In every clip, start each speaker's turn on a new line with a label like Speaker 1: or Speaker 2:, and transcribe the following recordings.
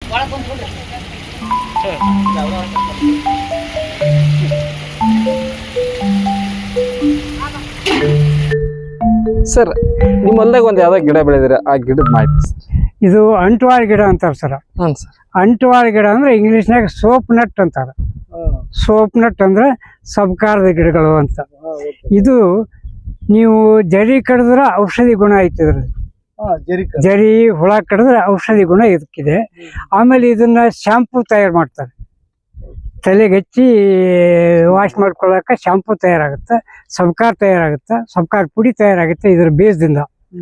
Speaker 1: Sir ನಿಮ್ಮ ಹೊಲ್ದಾಗ ಒಂದು ಯಾವ್ದೋ ಗಿಡ ಬೆಳೆದಿರ ಆ ಗಿಡದ ಮಾಹಿತಿ ಸರ್.
Speaker 2: ಇದು ಅಂಟುವಾಳ ಗಿಡ ಅಂತಾರ ಸರ್.
Speaker 1: ಹ್ಞೂ ಸರ್.
Speaker 2: ಅಂಟುವಾಳ ಗಿಡ ಅಂದ್ರೆ ಇಂಗ್ಲಿಷ್ನಾಗ ಸೋಪ್ ನಟ್ ಅಂತಾರ. ಸೋಪ್ ನಟ್ ಅಂದ್ರೆ ಸಬ್ಕಾರದ ಗಿಡಗಳು ಅಂತ. ಇದು ನೀವು ಜರಿ ಕಡಿದ್ರೆ ಔಷಧಿ ಗುಣ ಐತಿ ಇದ್ರಲ್ಲಿ. ಜರಿ ಹುಳ ಕಡಿದ್ರೆ ಔಷಧಿ ಗುಣ ಇದಕ್ಕಿದೆ. ಆಮೇಲೆ ಇದನ್ನ ಶಾಂಪೂ ತಯಾರು ಮಾಡ್ತಾರೆ. ತಲೆಗೆ ಹಚ್ಚಿ ವಾಶ್ ಮಾಡ್ಕೊಳ್ಳಕ ಶಾಂಪೂ ತಯಾರಾಗುತ್ತೆ, ಸಬ್ಕಾರ್ ತಯಾರಾಗುತ್ತೆ, ಸಬ್ಕಾರ್ ಪುಡಿ ತಯಾರಾಗುತ್ತೆ ಇದ್ರ ಬೀಜದಿಂದ.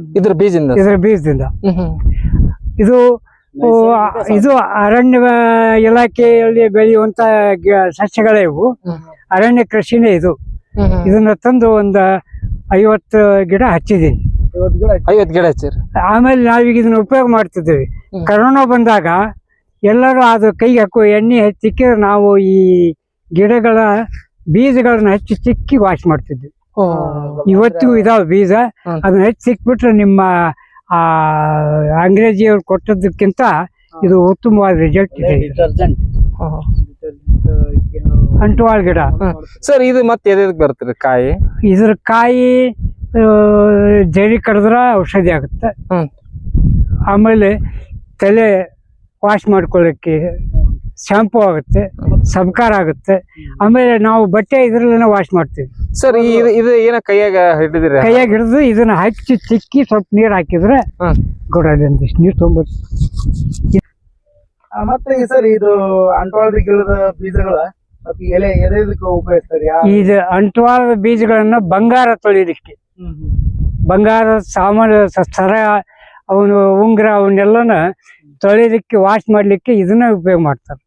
Speaker 2: ಇದು ಇದು ಅರಣ್ಯ ಇಲಾಖೆಯಲ್ಲಿ ಬೆಳೆಯುವಂತ ಸಸ್ಯಗಳೇ ಇವು. ಅರಣ್ಯ ಕೃಷಿನೇ ಇದು. ಇದನ್ನ ತಂದು ಒಂದು 50 ಗಿಡ ಹಚ್ಚಿದ್ದೀನಿ.
Speaker 1: 50 ಗಿಡ ಹಚ್ಚಿರಿ.
Speaker 2: ಆಮೇಲೆ ನಾವೀಗ ಇದನ್ನ ಉಪಯೋಗ ಮಾಡ್ತಿದ್ದೇವೆ. ಕರೋನಾ ಬಂದಾಗ ಎಲ್ಲರೂ ಅದು ಕೈಗೆ ಹಾಕೋ ಎಣ್ಣೆ ಹಚ್ಚಿಕ್ಕಿದ್ರೆ ನಾವು ಈ ಗಿಡಗಳ ಬೀಜಗಳನ್ನ ಹಚ್ಚಿ ಚಿಕ್ಕಿ ವಾಶ್ ಮಾಡ್ತಿದ್ವಿ. ಇವತ್ತಿಗೂ ಇದಾವೆ ಬೀಜ. ಅದನ್ನ ಹಚ್ಚಿ ಸಿಕ್ಬಿಟ್ರೆ ನಿಮ್ಮ ಅಂಗ್ರೇಜಿಯವ್ರು ಕೊಟ್ಟದಕ್ಕಿಂತ ಇದು ಉತ್ತಮವಾದ ರಿಸಲ್ಟ್ ಇದೆ. ಅಂಟುವಾಳ ಗಿಡ
Speaker 1: ಸರ್. ಇದು ಮತ್ತೆ ಎದಕ್ಕೆ ಬರ್ತದೆ ಕಾಯಿ?
Speaker 2: ಇದ್ರ ಕಾಯಿ ಜರಿ ಕಡಿದ್ರೆ ಔಷಧಿ ಆಗುತ್ತೆ. ಆಮೇಲೆ ತಲೆ ವಾಶ್ ಮಾಡ್ಕೊಳ್ಳಿಕ್ಕೆ ಶಾಂಪೂ ಆಗುತ್ತೆ, ಸಬ್ಕಾರ ಆಗುತ್ತೆ. ಆಮೇಲೆ ನಾವು ಬಟ್ಟೆ ಇದ್ರಲ್ಲೇನೆ ವಾಶ್ ಮಾಡ್ತೀವಿ.
Speaker 1: ಸರ್ ಇದು ಏನ ಕೈಯಾಗ ಹಿಡಿದಿರ?
Speaker 2: ಕೈಯಾಗ ಹಿಡಿದು ಇದನ್ನ ಹಚ್ಚಿ ಚಿಕ್ಕಿ ಸ್ವಲ್ಪ ನೀರ್ ಹಾಕಿದ್ರೆ ಗೊಡಂದಿಷ್ಟು ನೀರು ತೊಗೊಂಬರ್ತೀವಿ.
Speaker 3: ಮತ್ತೆ ಸರ್ ಇದು ಅಂಟುವಾಳದ ಗಿಡದ ಬೀಜಗಳ ಎಲೆ ಎದಕ್ಕೆ ಉಪಯೋಗಿಸ್ತಾರೆ?
Speaker 2: ಇದು ಅಂಟುವಾಳದ ಬೀಜಗಳನ್ನ ಬಂಗಾರ ತೊಳಿಲಿಕ್ಕೆ, ಬಂಗಾರ ಸಾಮಾನು ಸರ ಅವನು ಉಂಗುರ ಅವನ್ನೆಲ್ಲನ ತೊಳಿಲಿಕ್ಕೆ ವಾಶ್ ಮಾಡ್ಲಿಕ್ಕೆ ಇದನ್ನ ಉಪಯೋಗ ಮಾಡ್ತಾರೆ.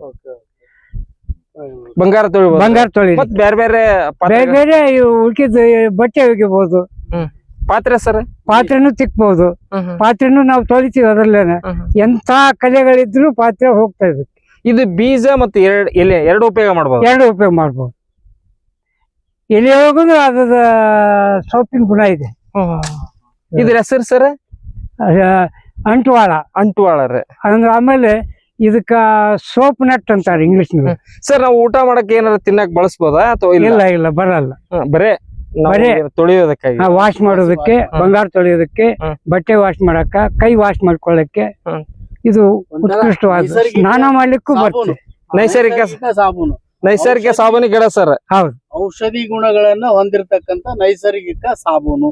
Speaker 1: ಬಂಗಾರ
Speaker 2: ತೊಳಿ
Speaker 1: ಬೇರೆ ಬೇರೆ
Speaker 2: ಬೇರೆ ಬೇರೆ ಉಳ್ಕಿದ ಬಟ್ಟೆ ಒಗಿಬಹುದು.
Speaker 1: ಪಾತ್ರೆ ಸರ್?
Speaker 2: ಪಾತ್ರೆನೂ ತಿಕ್ಬಹುದು. ಪಾತ್ರೆನೂ ನಾವು ತೊಳಿತೀವಿ ಅದ್ರಲ್ಲೇನೆ. ಎಂತ ಕಲೆಗಳಿದ್ರು ಪಾತ್ರೆ ಹೋಗ್ತಾ ಇರುತ್ತೆ.
Speaker 1: ಇದು ಬೀಜ ಮತ್ತೆ ಎಲೆ ಎರಡು ಉಪಯೋಗ ಮಾಡ್ಬೋದು.
Speaker 2: ಎರಡು ಉಪಯೋಗ ಮಾಡ್ಬೋದು. ಎಲೆ ಹೋಗುದು ಅದ ಸೋಪಿನ ಗುಣ ಇದೆ.
Speaker 1: ಇದ್ರ ಹೆಸರು ಸರ್?
Speaker 2: ಅಂಟುವಾಳ.
Speaker 1: ಅಂಟುವಾಳ ರೀ.
Speaker 2: ಅಂದ್ರೆ ಆಮೇಲೆ ಇದಕ್ಕ ಸೋಪ್ ನಟ್ ಅಂತಾರೆ ಇಂಗ್ಲಿಷ್.
Speaker 1: ಸರ್ ನಾವು ಊಟ ಮಾಡಕ್ ಏನಾರ ತಿನ್ನಕ್ ಬಳಸ್ಬೋದಾ ಅಥವಾ
Speaker 2: ಇಲ್ಲ ಬರಲ್ಲ.
Speaker 1: ಬರೇ ತೊಳಿಯೋದಕ್ಕಾಗಿ,
Speaker 2: ವಾಶ್ ಮಾಡೋದಕ್ಕೆ, ಬಂಗಾರ ತೊಳಿಯೋದಕ್ಕೆ, ಬಟ್ಟೆ ವಾಶ್ ಮಾಡಕ್ಕ, ಕೈ ವಾಶ್ ಮಾಡ್ಕೊಳ್ಳಕ್ಕೆ ಇದು ಉತ್ಕೃಷ್ಟವಾದ. ಸ್ನಾನ ಮಾಡ್ಲಿಕ್ಕೂ ಬರ್ತದೆ.
Speaker 1: ನೈಸರ್ಗಿಕ ಸಾಬೂನು ಗಿಡ ಸರ್.
Speaker 2: ಹೌದು.
Speaker 3: ಔಷಧಿ ಗುಣಗಳನ್ನ ಹೊಂದಿರತಕ್ಕಂತ ನೈಸರ್ಗಿಕ ಸಾಬೂನು.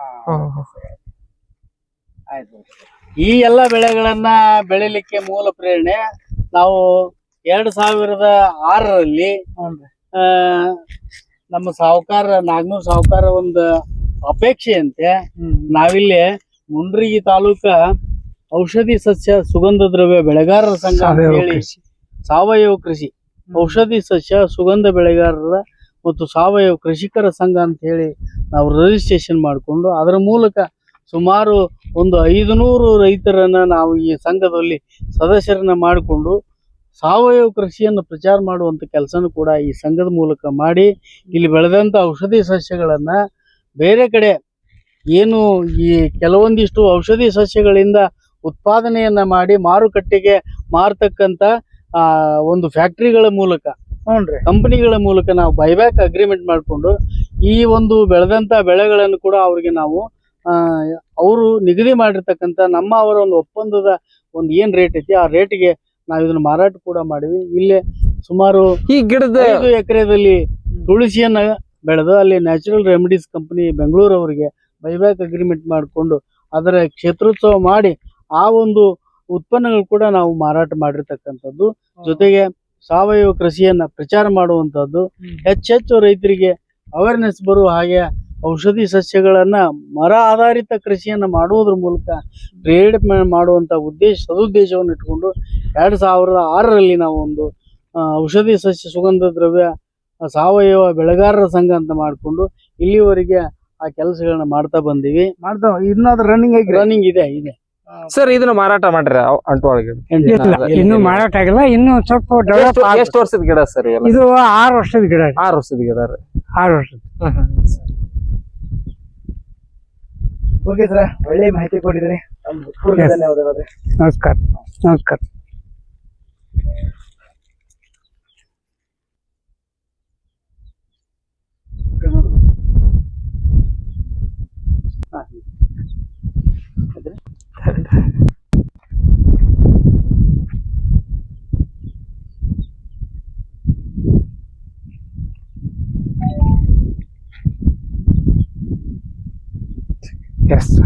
Speaker 3: ಆಯ್ತು. ಈ ಎಲ್ಲ ಬೆಳೆಗಳನ್ನ ಬೆಳಿಲಿಕ್ಕೆ ಮೂಲ ಪ್ರೇರಣೆ ನಾವು 2006ರಲ್ಲಿ ನಮ್ಮ ನಾಗನೂರ್ ಸಾಹುಕಾರ ಒಂದು ಅಪೇಕ್ಷೆಯಂತೆ ನಾವಿಲ್ಲಿ ಮುಂಡ್ರಿಗಿ ತಾಲೂಕ ಔಷಧಿ ಸಸ್ಯ ಸುಗಂಧ ದ್ರವ್ಯ ಬೆಳೆಗಾರರ ಸಂಘ ಅಂತ ಹೇಳಿ, ಸಾವಯವ ಕೃಷಿ ಔಷಧಿ ಸಸ್ಯ ಸುಗಂಧ ಬೆಳೆಗಾರರ ಮತ್ತು ಸಾವಯವ ಕೃಷಿಕರ ಸಂಘ ಅಂತ ಹೇಳಿ ನಾವು ರಿಜಿಸ್ಟ್ರೇಷನ್ ಮಾಡಿಕೊಂಡು ಅದರ ಮೂಲಕ ಸುಮಾರು ಒಂದು 500 ರೈತರನ್ನ ನಾವು ಈ ಸಂಘದಲ್ಲಿ ಸದಸ್ಯರನ್ನ ಮಾಡಿಕೊಂಡು ಸಾವಯವ ಕೃಷಿಯನ್ನು ಪ್ರಚಾರ ಮಾಡುವಂತ ಕೆಲಸನೂ ಕೂಡ ಈ ಸಂಘದ ಮೂಲಕ ಮಾಡಿ ಇಲ್ಲಿ ಬೆಳೆದಂತ ಔಷಧಿ ಸಸ್ಯಗಳನ್ನ ಬೇರೆ ಕಡೆ ಏನು ಈ ಕೆಲವೊಂದಿಷ್ಟು ಔಷಧಿ ಸಸ್ಯಗಳಿಂದ ಉತ್ಪಾದನೆಯನ್ನ ಮಾಡಿ ಮಾರುಕಟ್ಟೆಗೆ ಮಾರತಕ್ಕಂತ ಒಂದು ಫ್ಯಾಕ್ಟರಿಗಳ ಮೂಲಕ, ಕಂಪನಿಗಳ ಮೂಲಕ ನಾವು ಬೈಬ್ಯಾಕ್ ಅಗ್ರಿಮೆಂಟ್ ಮಾಡಿಕೊಂಡು ಈ ಒಂದು ಬೆಳೆದಂತ ಬೆಳೆಗಳನ್ನು ಕೂಡ ಅವ್ರಿಗೆ ನಾವು ಅವರು ನಿಗದಿ ಮಾಡಿರ್ತಕ್ಕಂಥ ಅವರ ಒಂದು ಒಪ್ಪಂದದ ಒಂದು ಏನ್ ರೇಟ್ ಐತಿ ಆ ರೇಟ್ಗೆ ನಾವು ಇದನ್ನ ಮಾರಾಟ ಕೂಡ ಮಾಡಿವಿ. ಇಲ್ಲೇ ಸುಮಾರು
Speaker 1: ಈ ಗಿಡದ
Speaker 3: 5 ಎಕರೆದಲ್ಲಿ ತುಳಸಿಯನ್ನ ಬೆಳೆದು ಅಲ್ಲಿ ನ್ಯಾಚುರಲ್ ರೆಮಿಡೀಸ್ ಕಂಪನಿ ಬೆಂಗಳೂರು ಅವರಿಗೆ ಬೈಬ್ಯಾಕ್ ಅಗ್ರಿಮೆಂಟ್ ಮಾಡಿಕೊಂಡು ಅದರ ಕ್ಷೇತ್ರೋತ್ಸವ ಮಾಡಿ ಆ ಒಂದು ಉತ್ಪನ್ನಗಳು ಕೂಡ ನಾವು ಮಾರಾಟ ಮಾಡಿರ್ತಕ್ಕಂಥದ್ದು. ಜೊತೆಗೆ ಸಾವಯವ ಕೃಷಿಯನ್ನ ಪ್ರಚಾರ ಮಾಡುವಂತದ್ದು, ಹೆಚ್ಚೆಚ್ಚು ರೈತರಿಗೆ ಅವೇರ್ನೆಸ್ ಬರುವ ಹಾಗೆ ಔಷಧಿ ಸಸ್ಯಗಳನ್ನ ಮರ ಆಧಾರಿತ ಕೃಷಿಯನ್ನ ಮಾಡುವುದ್ರ ಮೂಲಕ ಪ್ರೇರಣೆ ಮಾಡುವಂತ ಸದುದ್ದೇಶವನ್ನು ಇಟ್ಕೊಂಡು 2006ರಲ್ಲಿ ನಾವು ಒಂದು ಔಷಧಿ ಸಸ್ಯ ಸುಗಂಧ ದ್ರವ್ಯ ಸಾವಯವ ಬೆಳೆಗಾರರ ಸಂಘ ಅಂತ ಮಾಡಿಕೊಂಡು ಇಲ್ಲಿವರೆಗೆ ಆ ಕೆಲಸಗಳನ್ನ ಮಾಡ್ತಾ ಬಂದಿವಿ. ಇನ್ನಾದ್ರೂ ರನ್ನಿಂಗ್ ಇದೆ.
Speaker 1: ಸರ್ ಇದನ್ನ ಮಾರಾಟ ಮಾಡ್ರಿ ಅಂಟುವಾಳ ಗಿಡ?
Speaker 2: ಇನ್ನು ಮಾರಾಟ ಆಗಿಲ್ಲ. ಇನ್ನು ಸ್ವಲ್ಪ ಡೆವಲಪ್.
Speaker 1: ಎಷ್ಟು ವರ್ಷದ ಗಿಡ ಸರ್
Speaker 2: ಇದು? 6 ವರ್ಷದ ಗಿಡ.
Speaker 1: 6 ವರ್ಷದ ಗಿಡ ರೀ.
Speaker 2: 6 ವರ್ಷದ.
Speaker 3: ಓಕೆ ಸರ್, ಒಳ್ಳೆ ಮಾಹಿತಿ ಕೊಟ್ಟಿದ್ರಿ. ನಮಸ್ಕಾರ.
Speaker 2: ಎಸ್